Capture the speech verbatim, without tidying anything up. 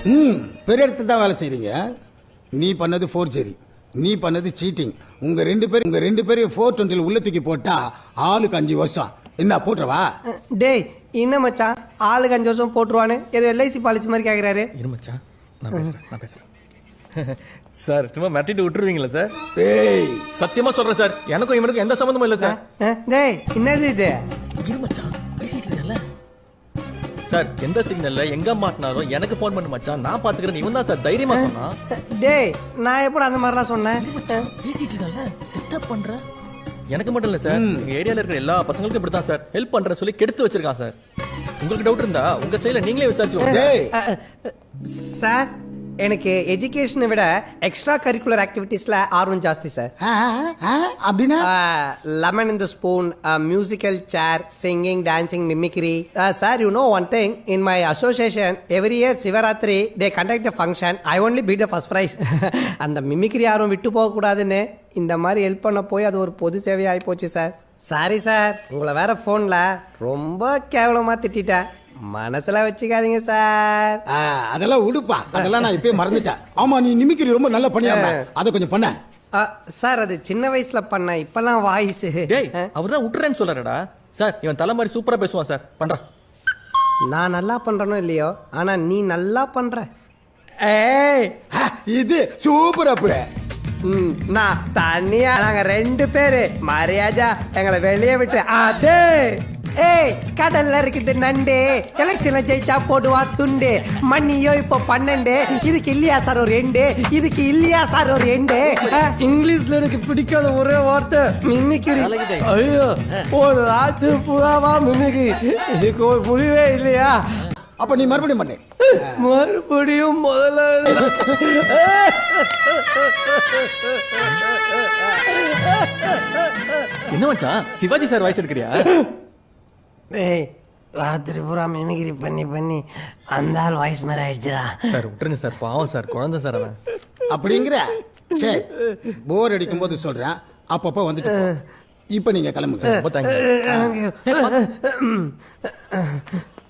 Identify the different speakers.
Speaker 1: ம் பெரிய இடத்துல தான் வேலை செய்கிறீங்க. நீ பண்ணது ஃபோர்ஜரி, நீ பண்ணது சீட்டிங். உங்கள் ரெண்டு பேரும் உங்கள் ரெண்டு பேரையும் ஃபோர் டுவெண்ட்டியில் உள்ள தூக்கி போட்டால் ஆளுக்கு அஞ்சு வருஷம். என்ன போட்டுருவா?
Speaker 2: டேய் என்ன மச்சான் ஆளுக்கு அஞ்சு வருஷம் போட்டுருவானு ஏதோ எல்ஐசி பாலிசி மாதிரி கேட்குறாரு.
Speaker 3: இரு மச்சான், நான் பேசுகிறேன் நான் பேசுகிறேன் சார் சும்மா மிரட்டிட்டு விட்டுருவீங்களா சார்?
Speaker 1: ஏய்
Speaker 3: சத்தியமா சொல்றேன் சார், எனக்கும் இவனுக்கும் எந்த சம்மந்தமும் இல்லை சார்.
Speaker 2: அஹ், டேய் என்னது இது?
Speaker 3: இரு மச்சான், பேசிட்டு இருக்கல சார். எந்த சிக்னல்ல எங்க மாட்டினாலும் எனக்கு ஃபோன் பண்ணு மச்சான், நான் பாத்துக்கிறேன். இவன் தான் சார் தைரியமா சொன்னா.
Speaker 2: டேய் நான் எப்படி அந்த மாதிரிலாம் சொன்னேன்?
Speaker 3: பேசிட்டு இருக்கல, டிஸ்டர்ப் பண்ற. எனக்கு மட்டும் இல்ல சார், எங்க ஏரியால இருக்கிற எல்லா பசங்களுக்கும் இப்படி தான் சார் ஹெல்ப் பண்ற சொல்லி கெடுத்து வச்சிருக்கான் சார். உங்களுக்கு டவுட் இருந்தா உங்க சைடுல நீங்களே விசாரிச்சு.
Speaker 1: டேய்
Speaker 2: அஹ், அஹ், சார் எனக்கு எஜுகேஷனை விட எக்ஸ்ட்ரா கரிக்குலர் ஆக்டிவிட்டீஸில் ஆர்வம் ஜாஸ்தி சார்.
Speaker 1: ஆ, ஆ, அப்படின்னா
Speaker 2: lemon in the spoon, musical chair, singing, dancing, mimicry. Sir you know one thing, in my association every year Shivaratri they conduct the function. I only beat the first prize. அந்த mimicry யாரும் விட்டு போகக்கூடாதுன்னு இந்த மாதிரி help பண்ண போய் அது ஒரு பொது சேவையாகி போச்சு சார். சாரி சார், உங்களை வேற ஃபோனில் ரொம்ப கேவலமாக திட்டேன், மனசுல வச்சுக்காதீங்க சார்.
Speaker 1: ஆ, அதெல்லாம் உடுப்பா, அதெல்லாம் நான் இப்பயே மறந்துட்டேன். ஆமா நீ நிமிக்கிரி ரொம்ப நல்லா பண்ணியாம அதை கொஞ்சம் பண்ண.
Speaker 2: அஹ், சார் அது சின்ன வயசுல பண்ண, இப்பெல்லாம் வாய்ஸ்.
Speaker 3: டேய் அவர் தான் விட்டுறேன்னு சொல்றாருடா சார். இவன் தலை மாதிரி சூப்பரா பேசுவான் சார். பண்றான்.
Speaker 2: நான் நல்லா பண்றேனோ இல்லையோ, ஆனா நீ நல்லா பண்ற.
Speaker 1: ஏய் ஆ, இது சூப்பர் அப்பு.
Speaker 2: ம், நான் தனியா நாங்க ரெண்டு பேரு மரியாதா எங்களை வெளியே விட்டு அதே. ஏய் கடல்ல இருக்குது நண்டு, எலெக்ஷன்ல ஜெயிச்சா போடுவா துண்டு, மண்ணியோ இப்போ பன்னெண்டு, இதுக்கு இல்லையா சார் ஒரு எண்டு, இதுக்கு இல்லையா சார் ஒரு எண்டு. அஹ், இங்கிலீஷ்ல எனக்கு பிடிக்காத ஒரே வார்த்தை மிமிக்ரி. ஐயோ ஒரு ராஜு புறாவா மிமிக்ரி, இதுக்கு ஒரு முடிவே இல்லையா?
Speaker 1: அப்ப நீ மறுபடியும் பண்ணு.
Speaker 2: மறுபடியும் முதல்ல.
Speaker 3: என்ன மச்சான் சிவாஜி சார் வாய்ஸ் எடுக்கிறியா?
Speaker 2: ஏய் ராத்திரி பூரா மிமிக்ரி பண்ணி பண்ணி அந்த ஆள் வாய்ஸ் மாதிரி ஆயிடுச்சுடா.
Speaker 3: சார் விட்டுருங்க சார், பாவம் சார், குழந்தை சார் அவன்.
Speaker 1: அப்படிங்கிற சரி, போர் அடிக்கும் போது சொல்றேன், அப்பப்போ வந்துட்டு போ. இப்ப நீங்க கிளம்புங்க.
Speaker 3: ரொம்ப தேங்க்ஸ்.